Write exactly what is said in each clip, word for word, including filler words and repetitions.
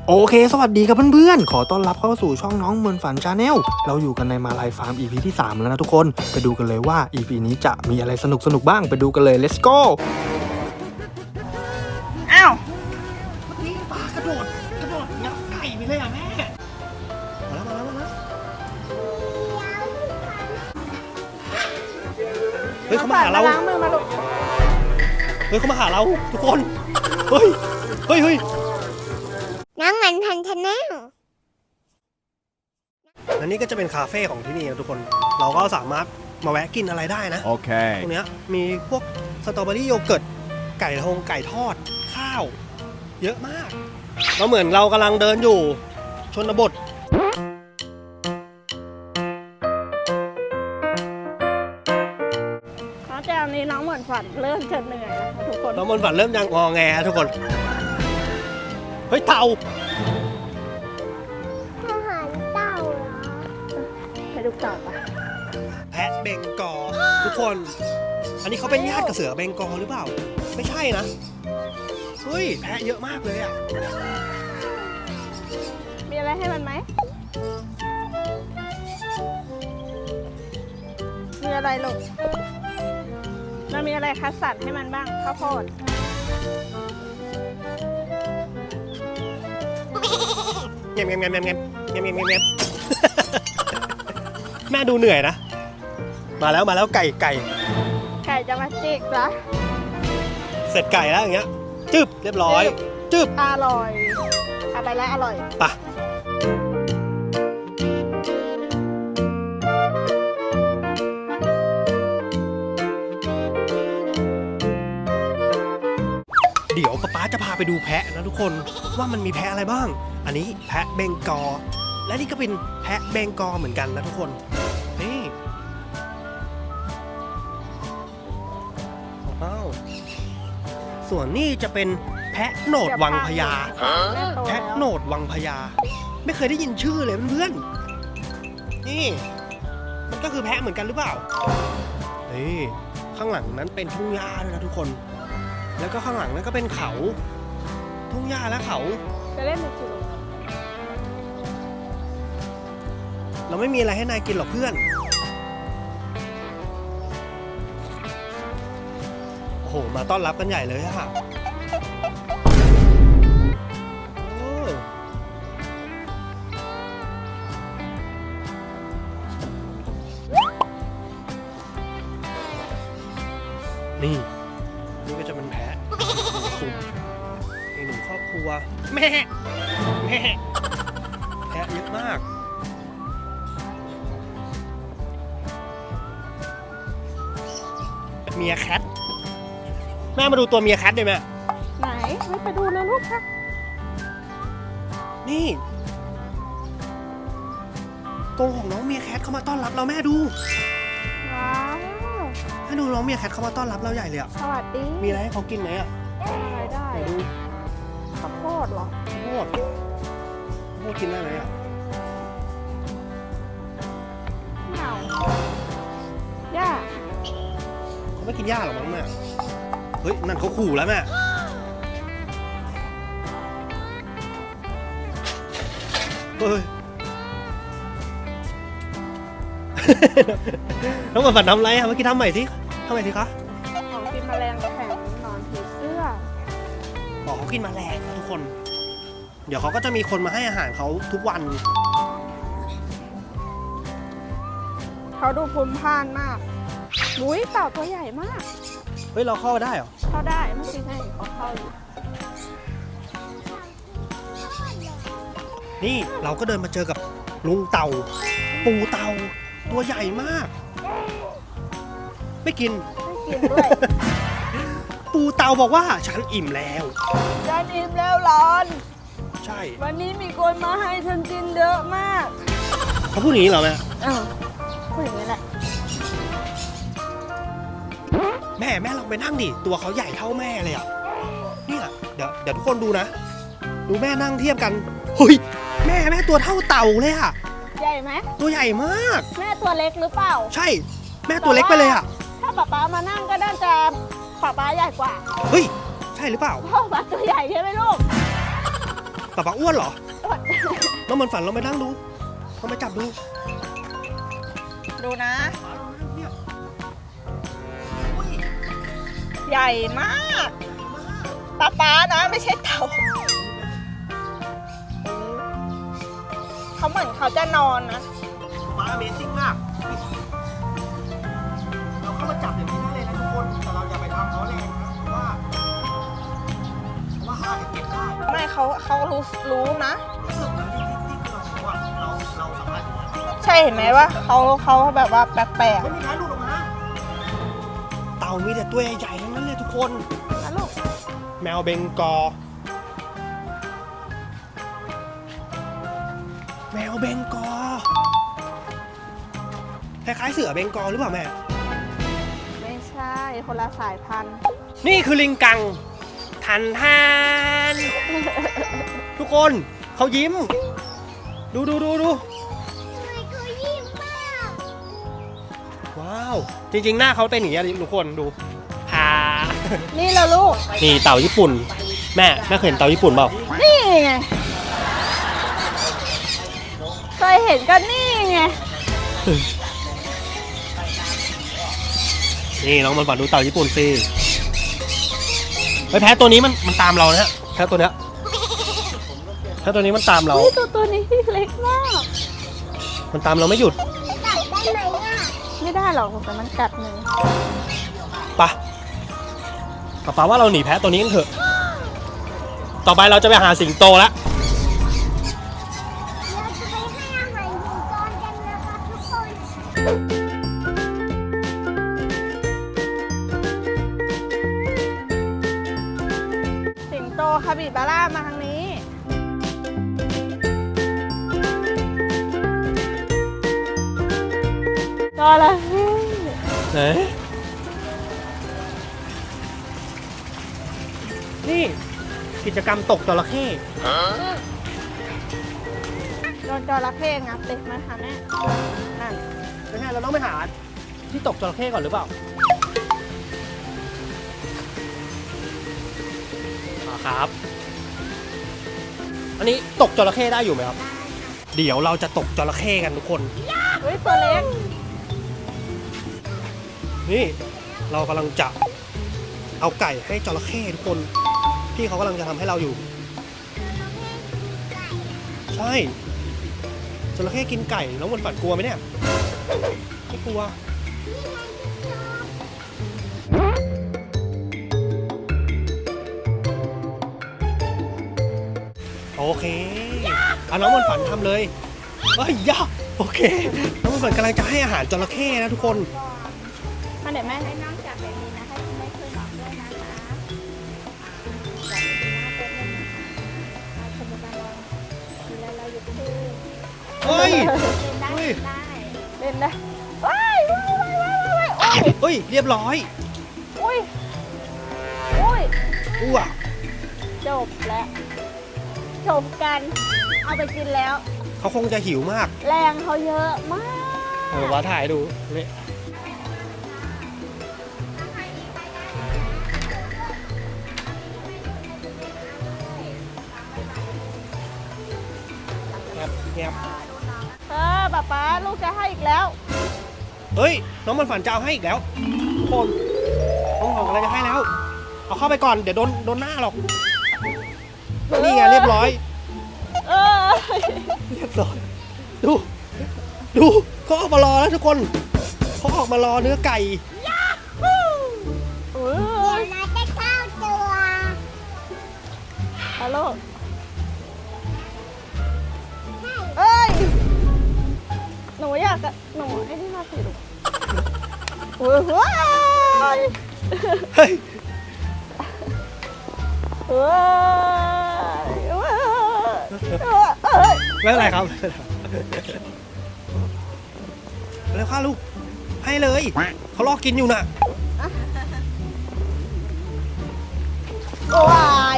โอเคสวัสดีครับเพื่อนๆขอต้อนรับเข้าสู่ช่องน้องเหมือนฝันชาแนลเราอยู่กันในมาลายฟาร์ม อี พี ที่สามแล้วนะทุกคนไปดูกันเลยว่า อี พี นี้จะมีอะไรสนุกๆบ้างไปดูกันเลย let's go อ้าวนี่ปลากระโดดกระโดดงับไก่ไปเลยอ่ะแม่มาแล้วมาแล้วมาแล้วเฮ้ยเขามาหาเราล้างมือมาลูกเฮ้ยเขามาหาเราทุกคนเฮ้ยเฮ้ยเฮ้ยน้องเหมือนพันธนาอันนี้ก็จะเป็นคาเฟ่ของที่นี่นะทุกคนเราก็สามารถมาแวะกินอะไรได้นะโอเคตรงเนี้ยมีพวกสตรอเบอรี่โยเกิร์ตไก่ทงไก่ทอดข้าวเยอะมากเราเหมือนเรากำลังเดินอยู่ชนบทน้องแจมนี้น้องเหมือนฝันเริ่มจะเหนื่อยนะคะทุกคนน้องมนต์ฝันเริ่มยังงอแงทุกคนเฮ้ยเต่าอาหารเต่าเหรอไปดูต่อปะแพะเบงกอลทุกคน อันนี้เขาเป็นญาติกับเสือเบงกอลหรือเปล่าไม่ใช่นะเฮ้ยแพะเยอะมากเลยอ่ะมีอะไรให้มันไหมมีอะไรลูกมันมีอะไรคัดสรรให้มันบ้างข้าวโพดเงียบเงียบเงียบเงียบเงียบเงียบเงียบเงียบเงียบ แม่ดูเหนื่อยนะมาแล้วมาแล้วไก่ไก่ไก่จะมาจิกเหรอเสร็จไก่แล้วอย่างเงี้ยจึบเรียบร้อยจึบอร่อยอะไรแล้วอร่อยปะเดี๋ยวป๊าป๊าจะพาไปดูแพะนะทุกคนว่ามันมีแพะอะไรบ้าง อันนี้แพะเบงกอลและนี่ก็เป็นแพะเบงกอลเหมือนกันนะทุกคนนี่ว้าวส่วนนี่จะเป็นแพะโหนดวังพญาแม่โตแพะแล้วโหนดวังพญาไม่เคยได้ยินชื่อเลยเพื่อนๆนี่มันก็คือแพะเหมือนกันหรือเปล่านี่ข้างหลังนั้นเป็นทุ่งหญ้าด้วยนะทุกคนแล้วก็ข้างหลังนั้นก็เป็นเขาทุ่งหญ้าและเขาจะเล่นมือถือเราไม่มีอะไรให้นายกินหรอกเพื่อนโอ้โหมาต้อนรับกันใหญ่เลยอะโอ้นี่นี่ก็จะเป็นแพะสุ่มอีกหนึ่งครอบครัวแม่แม่แพะเยอะมากเมียแคทแม่มาดูตัวเมียแคทได้ไหมไหนไม่ไปดูเลยลูกค่ะนี่กรงของน้องเมียแคทเข้ามาต้อนรับเราแม่ดูว้าวให้ดูน้องเมียแคทเข้ามาต้อนรับเราใหญ่เลยอะสวัสดีมีอะไรให้เขากินไหมอะอะไรได้ไหนดูข้าวโพดเหรอโคตรโคตรกินได้ไหมอะไม่เอาย่าเขาไม่กินหญ้าหรอกมั้งแม่เฮ้ยนั่นเขาขู่แล้วแม่เฮ้ย น้องฝันทำอะไรอะเมื่อกี้ทำใหม่สิทำใหม่สิคะของกินแมลงแข็งนอนผีเสื้อบอกเขากินแมลงนะทุกคน เดี๋ยวเขาก็จะมีคนมาให้อาหารเขาทุกวันเขาดูภูมิพานมากมุ้ยเต่าตัวใหญ่มากเฮ้ยเราเข้าได้เหรอเข้าได้เมื่อกี้ให้เขาเข้าอยู่นี่เราก็เดินมาเจอกับลุงเต่า ปูเต่าตัวใหญ่มาก ไม่กินไม่กินด้วยปูเต่าบอกว่าฉันอิ่มแล้วฉันอิ่มแล้วร้อนใช่วันนี้มีคนมาให้ฉันกินเยอะมากเขาพูดอย่างนี้เหรอแม่อ้าวพูดอย่างนี้แหละแม่แม่ลองไปนั่งดิตัวเขาใหญ่เท่าแม่เลยอ่ะเนี่ยเดี๋ยวเดี๋ยวทุกคนดูนะ ดูแม่นั่งเทียบกันเฮ้ยแม่แม่ตัวเท่าเต่าเลยอ่ะใหญ่ไหมตัวใหญ่มากแม่ตัวเล็กหรือเปล่าใช่ แม่ตัวเล็กไปเลยอ่ะถ้าป๊าป๊ามานั่งก็น่าจะป๊าป๊าใหญ่กว่าเฮ้ยใช่หรือเปล่าพ่อป๊าตัวใหญ่ใช่ไหมลูกป๊าป๊าอ้วนเหรออ้วนน้องมันฝันเราไปนั่งดูลองไปจับดูดูนะ ใหญ่มากป๊าป๊านะไม่ใช่เต่าเขาเหมือนเขาจะนอนนะป๊า Amazing มาก เราเข้ามาจับอย่างนี้ได้เลยนะทุกคน แต่เราอย่าไปทำเขาแรงนะ เพราะว่าเพราะว่าเขาอาจจะเก็บได้ไม่เขาเขารู้รู้นะรู้สึกนะที่ที่ที่เราบอกว่าเราเราสามารถอยู่ได้ใช่เห็นไหมว่าเขาเขาแบบว่าแปลกไม่มีท้ายหลุดออกมา เต่ามีแต่ตัวใหญ่ๆทั้งนั้นเลยทุกคนๆนะลูกแมวเบงกอลแมวเบงกอลคล้ายๆเสือเบงกอลหรือเปล่าแม่ไม่ใช่คนละสายพันธุ์นี่คือลิงกัง ทันทาน ทุกคนเขายิ้ม ดูดูดูดูทำไมเขายิ้มมากว้าว จริงๆ หน้าเขาเป็นอย่างนี้ยทุกคนดูพานี่แหละลูกนี่เต่าญี่ปุ่น แม่แม่เคยเห็นเต่าญี่ปุ่นเปล่านี่ไงเคยเห็นกันนี่ไงนี่น้องมันฝันดูเต่าญี่ปุ่นสิไอ้แพ้ตัวนี้มันมันตามเรานะฮะแพ้ตัวเนี้ยแพ้ตัวนี้มันตามเราเฮ้ยตัวตัวนี้เล็กมากมันตามเราไม่หยุดจับได้ไหมอ่ะไม่ได้หรอกแต่มันกัดมือไปะป๊าป๊าว่าเราหนีแพ้ตัวนี้กันเถอะ ต่อไปเราจะไปหาสิงโตแล้วเราจะไปให้อาหารหินก้อนกันนะคะทุกคนสิงโตคาบิบาร่ามาทางนี้ จระเข้ไหนนี่กิจกรรมตกจระเข้โดนจระเข้งับเด็กมาทำแน่นั่นไม่ใช่เราต้องไปหาที่ตกจระเข้ก่อนหรือเปล่าอ่าครับ อันนี้ตกจระเข้ได้อยู่ไหมครับ เดี๋ยวเราจะตกจระเข้กันทุกคนเฮ้ยตัวเล็กนี่เรากำลังจะเอาไก่ให้จระเข้ทุกคนพี่เขากำลังจะทำให้เราอยู่ ใช่จระเข้กินไก่น้องบนฝันกลัวไหมเนี่ยไม่กลัวโอเคเอาน้องบนฝันทำเลยเอ้ยยะโอเคน้องบนฝันกำลังจะให้อาหารจระเข้นะทุกคนมาเดี๋ยวแม่ให้น้องจับแบบนี้นะให้ไม่เคยหลอกด้วยนะคะจับดีๆนะเพื่อนๆนะคะเอาสมุดมาลองทีละเราหยุดพูดเฮ้ยเล่นได้เฮ้ยเล่นได้เล่นได้ว้ายว้ายว้ายว้ายว้ายเฮ้ยเรียบร้อยอุ้ยอุ้ยอ้วกจบแล้วจบกัน เอาไปกินแล้วเขาคงจะหิวมากแรงเขาเยอะมากเออว่าถ่ายดูนี่เงียบเงียบเออป๊าป๊าลูกจะให้อีกแล้วเฮ้ย น้องมันฝันจะเอาให้อีกแล้วทุกคนน้องของอะไรจะให้แล้ว เอาเข้าไปก่อน เดี๋ยวโดนโดนหน้าหรอก นี่ไงเรียบร้อยเออเรียบร้อย ดู ดูเขาออกมารอแล้วทุกคนเขาออกมารอเนื้อไก่อุ้เดี๋ยวย เราจะเข้าตัวฮัลโหลเอ้ย หนูอยากจะหนูไอ้นี่มาสิลูกโอ้ยเฮ้ยเฮ้ยเฮ้ยเฮ้ยเฮ้ยไม่เป็นไรครับเร็วข้าลูก ให้เลย เขารอกินอยู่น่ะโอ้ย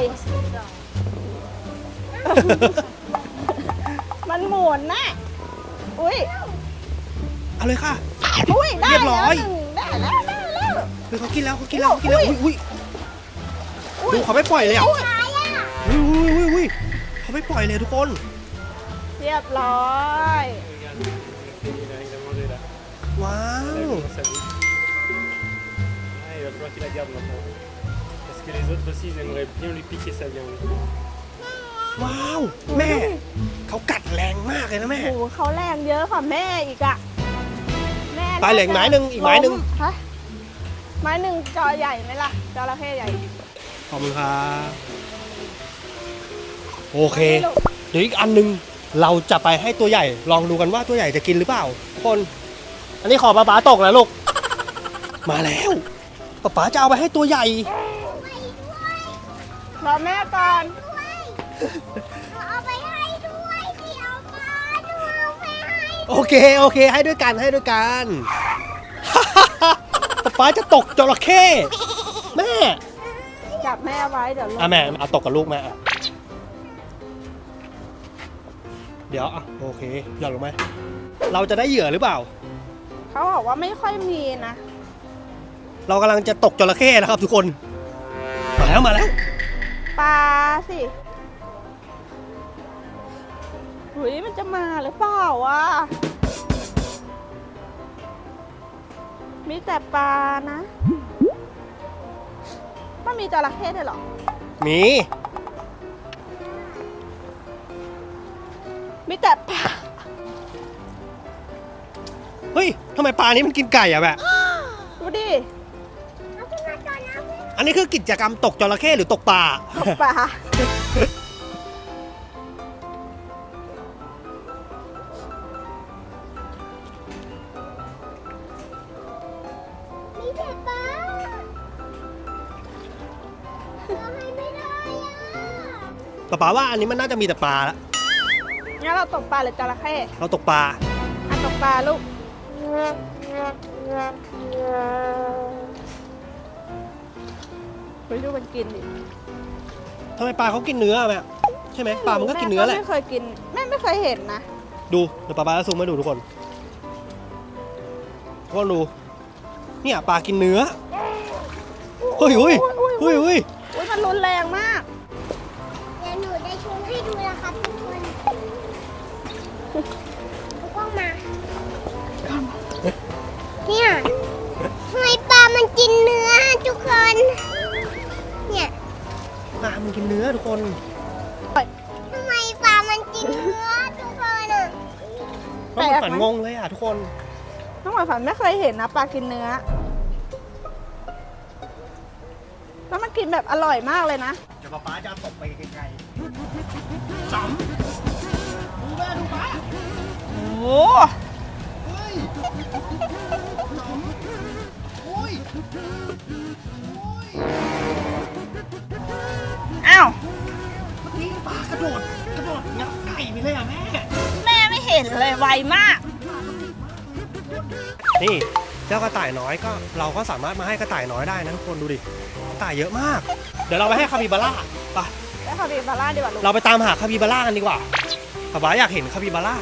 มันหมุนนะอุ้ยเอาเลยค่ะอุ้ยได้เรียบร้อยแล้วหนึ่งได้แล้วได้แล้วเฮ้ยเขากินแล้วเขากินแล้วเขากินแล้วอุ้อุ้ยยอุ้ยดูเขาไม่ปล่อยเลยอ่ะอุ้ยอุ้ยอุ้ยอุ้ยอุ้ยเขาไม่ไม่ปล่อยเลยทุกคนเรียบร้อยว้าว Il va falloir qu'il la garde maintenant. Parce que les autres aussi, ils aimeraient bien lui piquer sa viande. ว้าว แม่ เขากัดแรงมากเลยนะแม่โอ้โหเขาแรงเยอะกว่าแม่อีกอะแม่ไปเหลืออีกไม้หนึ่งอีกไม้หนึ่งล้ฮะไม้หนึ่งจอใหญ่ไหมล่ะจระเข้ใหญ่ขอบคุณครับโอเค เดี๋ยวอีกอันหนึงเราจะไปให้ตัวใหญ่ ลองดูกันว่าตัวใหญ่จะกินหรือเปล่าทุกคน อันนี้ขอป๊าป๊าตกนะลูก มาแล้วป๊าป๊าจะเอาไปให้ตัวใหญ่รอแม่ก่อนเอาไปให้ด้วยที่เอามาดูเอาไปให้โอเคโอเค ให้ด้วยกันให้ด้วยกัน ป๊าป๊าจะตกจระเข้แม่จับแม่ไว้เดี๋ยวลงอ่ะแม่เอาตกกับลูกแม่อ่ะเดี๋ยวอ่ะโอเคหย่อนลงไหมเราจะได้เหยื่อหรือเปล่าเขาบอกว่าไม่ค่อยมีนะเรากำลังจะตกจระเข้นะครับทุกคน มาแล้วมาแล้วปลาสิหุยมันจะมาหรือเปล่าวะมีแต่ปลานะมันมีจระเข้ด้วยเหรอมีมีแต่ปลาเฮ้ยทำไมปลานี้มันกินไก่อะแบบดูดิเอาขึ้นมาก่อนนะเพื่อนอันนี้คือกิจกรรมตกจระเข้หรือตกปลาตกปลามีแต่ปลาเราให้ไม่ได้อ่ะป๊าป๋าว่าอันนี้มันน่าจะมีแต่ปลาละงั้นเราตกปลาหรือจระเข้เราตกปลาอ่ะตกปลาลูกไปดูมันกินดิทำไมปลาเขากินเนื้ออะแม่ใช่ไหมปลามันก็กินเนื้อแหละไม่เคยกินแม่ไม่เคยเห็นนะดูเดี๋ยวป๊าป๊าจะซูมให้ดูทุกคนทุกคนดูเนี่ยปลากินเนื้อเฮ้ยเฮ้ยเฮ้ยเฮ้ยอุ้ยมันรุนแรงมากเดี๋ยวหนูได้ชวนให้ดูนะครับทุกคนทุกคนมาเนี่ยทำไมปลามันกินเนื้อทุกคนเนี่ยปลามันกินเนื้อทุกคนทำไมปลามันกินเนื้อทุกคนอ่ะต้องเป็นฝันงงเลยอ่ะทุกคนน้องหมายฝันไม่เคยเห็นนะปลากินเนื้อ แล้วมันกินแบบอร่อยมากเลยนะเดี๋ยวป๊าป๊าจะตกไปไกลๆสามดูแม่ดูป๊าโอ้โหเฮ้ยสามโอ้ยโอ้ยอ้าวเมื่อกี้ปลากระโดดกระโดดงับไก่ไปเลยอ่ะแม่แม่ไม่เห็นเลยไวมากนี่เจ้ากระต่ายน้อยก็เราก็สามารถมาให้กระต่ายน้อยได้นะทุกคนดูดิกระต่ายเยอะมาก เดี๋ยวเราไปให้คาปิบาร่าไปแล้วคาปิบาร่าดีกว่าลูกเราไปตามหาคาปิบาร่ากันดีกว่าป๊าป๊าอยากเห็นคาปิบาร่า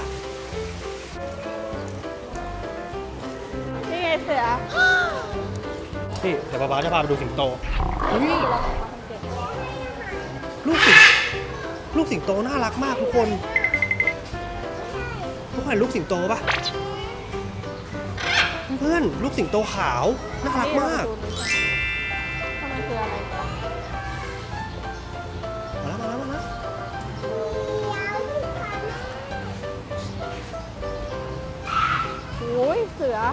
นี่ไงเสือนี่เดี๋ยวป๊าป๊าจะพาไปดูสิงโตนี่ลูกสิงลูกสิงโตน่ารักมากทุกคนทุกคนเห็นลูกสิงโตปะเพื่อนลูกสิงโตขาวน่ารักมากทำไมคืออะไรกันมาแล้วมาแล้วมาแล้วโอ้ยเสือ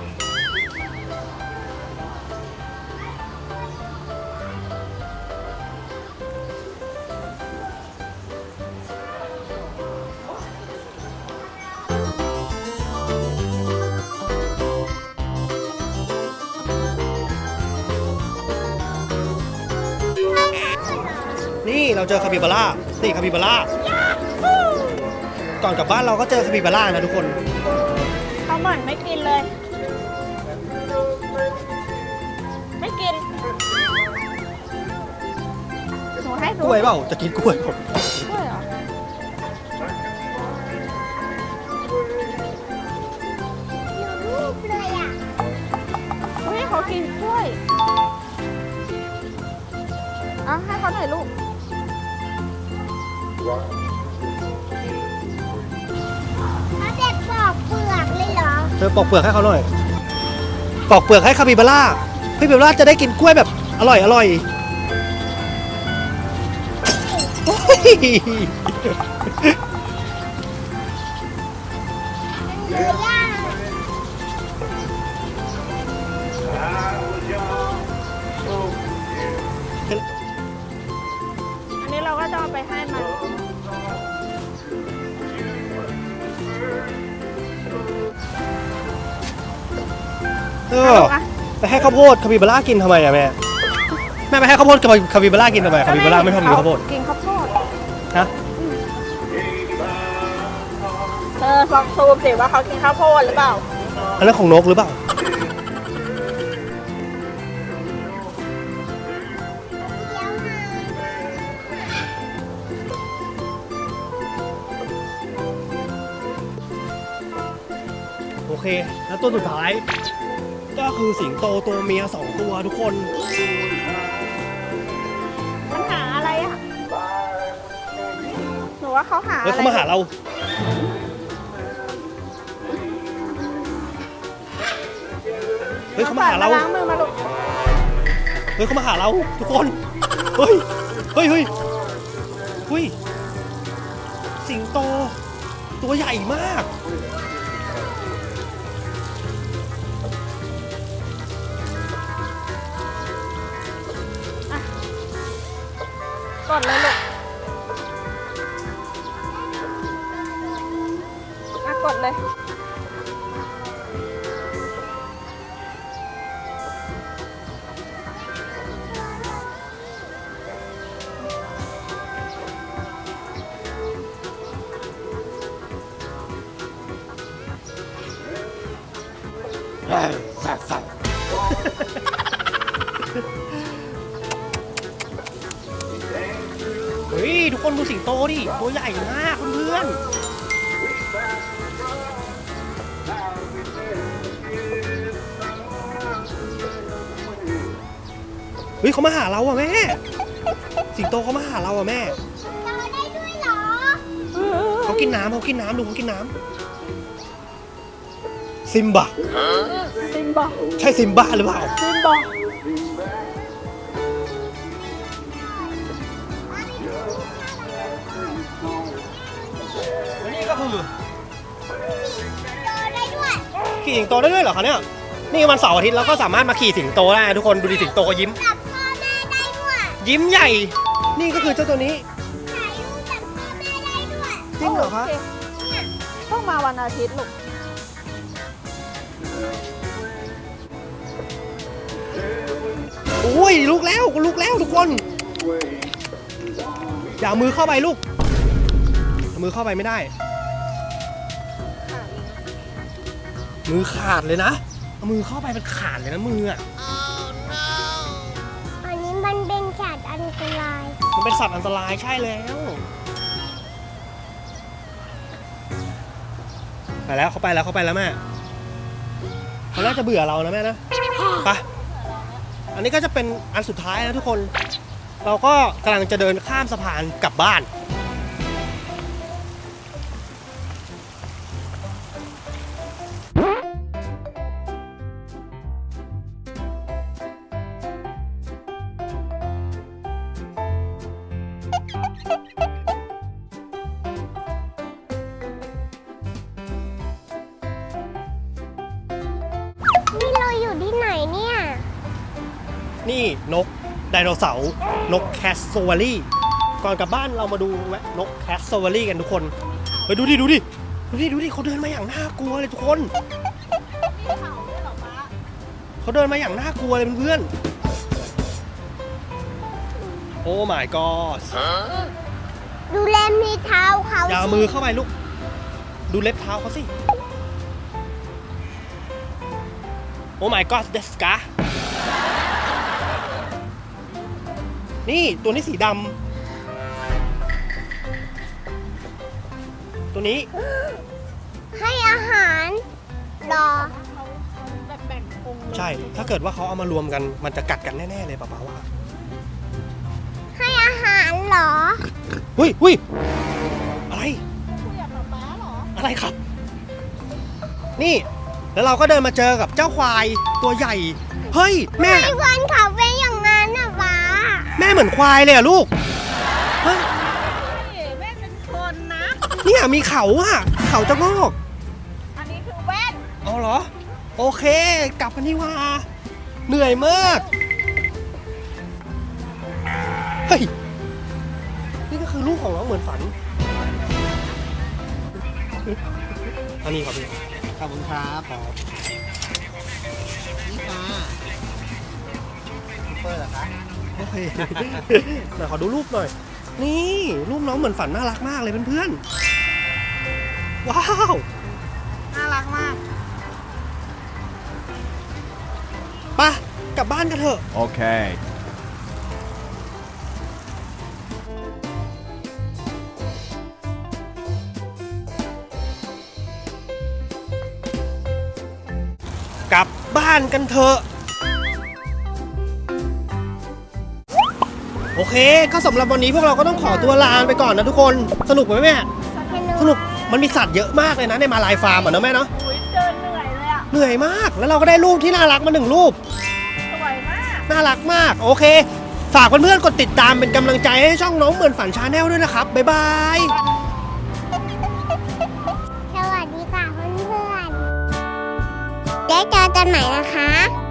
นี่เราเจอคาปิบาร่านี่คาปิบาร่าก่อนกลับบ้านเราก็เจอคาปิบาร่านะทุกคนเขาเหมือนไม่กินเลย ไม่กิน หนูให้กดูล้วยเปล่าจะกินกล้วยผมกล้วยเหรออยู่รูปเลยอ่ะเฮ้ยเขากินกล้วย เอาให้เขาหน่อยลูกอปอกเปลือกให้เขาหน่อยปอกเปลือกให้คาปิบาร่าคาปิบาร่าจะได้กินกล้วยแบบอร่อยอร่อยโอ้ยเนื้อย่างอันนี้เราก็จะเอาไปให้มันเออไปให้ข้าวโพดคาปิบาร่ากินทำไมอะแม่แม่ไปให้ข้าวโพดคาปิบาร่ากินทำไมคาปิบาร่าไม่ชอบกินข้าวโพดกินข้าวโพดฮะเออลองซูมสิว่าเขากินข้าวโพดหรือเปล่าอันนั้นของนกหรือเปล่าโอเคแล้วตัวสุดท้ายก็คือสิงโตตัวเมียสองตัวทุกคนมันหาอะไรอ่ะ หนูว่าเขาหาเฮ้ยอะไรเขามาหาเราเฮ้ยเขามาหาเราล้างมือมาลูกเฮ้ยเขามาหาเราทุกคนเฮ้ยเฮ้ยเฮ้ยเฮ้ยสิงโตตัวใหญ่มากกดเลยลูกอ่ะกดเลยเฮ้ยทุกคนดูสิงโตดิตัวใหญ่มากเพื่อนๆเฮ้ยเขามาหาเราอ่ะแม่สิงโตเขามาหาเราอ่ะแม่เราได้ด้วยเหรอเขากินน้ำเขากินน้ำดูเขากินน้ำซิมบะซิมบอใช่ซิมบะหรือเปล่าซิมบอและนี่ก็คือเราได้ด้วยขี่สิงโตได้ด้วยเหรอคะเนี่ยนี่วันเสาร์อาทิตย์เราก็สามารถมาขี่สิงโตได้นะทุกคนดูดิสิงโตเขายิ้มจับพ่อแม่ได้ด้วยยิ้มใหญ่ นี่ก็คือเจ้าตัวนี้ถ่ายรูปจับพ่อแม่ได้ด้วยจริงเหรอคะโเคต้องมาวันอาทิตย์ลูกโอ้ยลุกแล้วลุกแล้วทุกคนอย่าเอามือเข้าไปลูกเอามือเข้าไปไม่ได้ มือขาดเลยนะเอามือเข้าไปมันขาดเลยนะมืออ่ะอันนี้มันเป็นสัตว์อันตรายมันเป็นสัตว์อันตรายใช่แล้วไปแล้วเขาไปแล้วเขาไปแล้วแม่เขาน่าจะเบื่อเรานะแม่นะไปอันนี้ก็จะเป็นอันสุดท้ายนะทุกคน เราก็กำลังจะเดินข้ามสะพานกลับบ้านนี่เราอยู่ที่ไหนเนี่ยนี่นกไดโนเสาร์นกแคสโซวารีก่อนกลับบ้านเรามาดูแวะนกแคสโซวารีกันทุกคนเฮ้ยดูดิดูดิดูดิดูดิเขาเดินมาอย่างน่ากลัวเลยทุกคนเขาเดินมาอย่างน่ากลัวเลยเพื่อนๆโอ้ my god ดูแลมีเท้าเขาอย่าเอามือเข้าไปลูกดูเล็บเท้าเขาสิโอ้ my god เดสกานี่ตัวนี้สีดำตัวนี้ให้อาหารรอแบ่งพุงใช่ถ้าเกิดว่าเขาเอามารวมกันมันจะกัดกันแน่ๆเลยป้าๆว่าให้อาหารเหรอหุ้ยหุ้ยอะไรคุยกับป๊าป๊าเหรออะไรครับ นี่แล้วเราก็เดินมาเจอกับเจ้าควายตัวใหญ่ เฮ้ยแม่ไอ้วันเขาเป็นอย่างนั้นน่ะป้าแม่เหมือนควายเลยอะลูกเฮ้ยแม่เป็นคนนะเนี่ยมีเขาอะเขาจะงอกอันนี้คือแว่นเอาเหรอ โอเค กลับกันนี่ว่าเหนื่อยมาก เฮ้ย นี่ก็คือลูกของน้องเหมือนฝัน อันนี้ครับพี่ขอบคุณครับผมนี่ค่ะซูเปอร์เหรอคะโอเค เดี๋ยวขอดูรูปหน่อย นี่รูปน้องเหมือนฝันน่ารักมากเลยเพื่อนๆ ว้าวน่ารักมากไปกลับบ้านกันเถอะ Okay. กลับบ้านกันเถอะ โอเค ก็สำหรับวันนี้พวกเราก็ต้องขอตัวลาไปก่อนนะทุกคน สนุกไหมแม่ สนุก มันมีสัตว์เยอะมากเลยนะในมาลายฟาร์มอ่ะนะแม่เนาะอุ้ยเดินเหนื่อยเลยอ่ะเหนื่อยมาก แล้วเราก็ได้รูปที่น่ารักมาหนึ่งรูปสวยมากน่ารักมาก โอเค ฝากเพื่อนๆกดติดตามเป็นกำลังใจให้ช่องน้องเหมือนฝันชาแนลด้วยนะครับ บ๊ายบายสวัสดีค่ะเพื่อนๆได้เจอกันใหม่นะคะ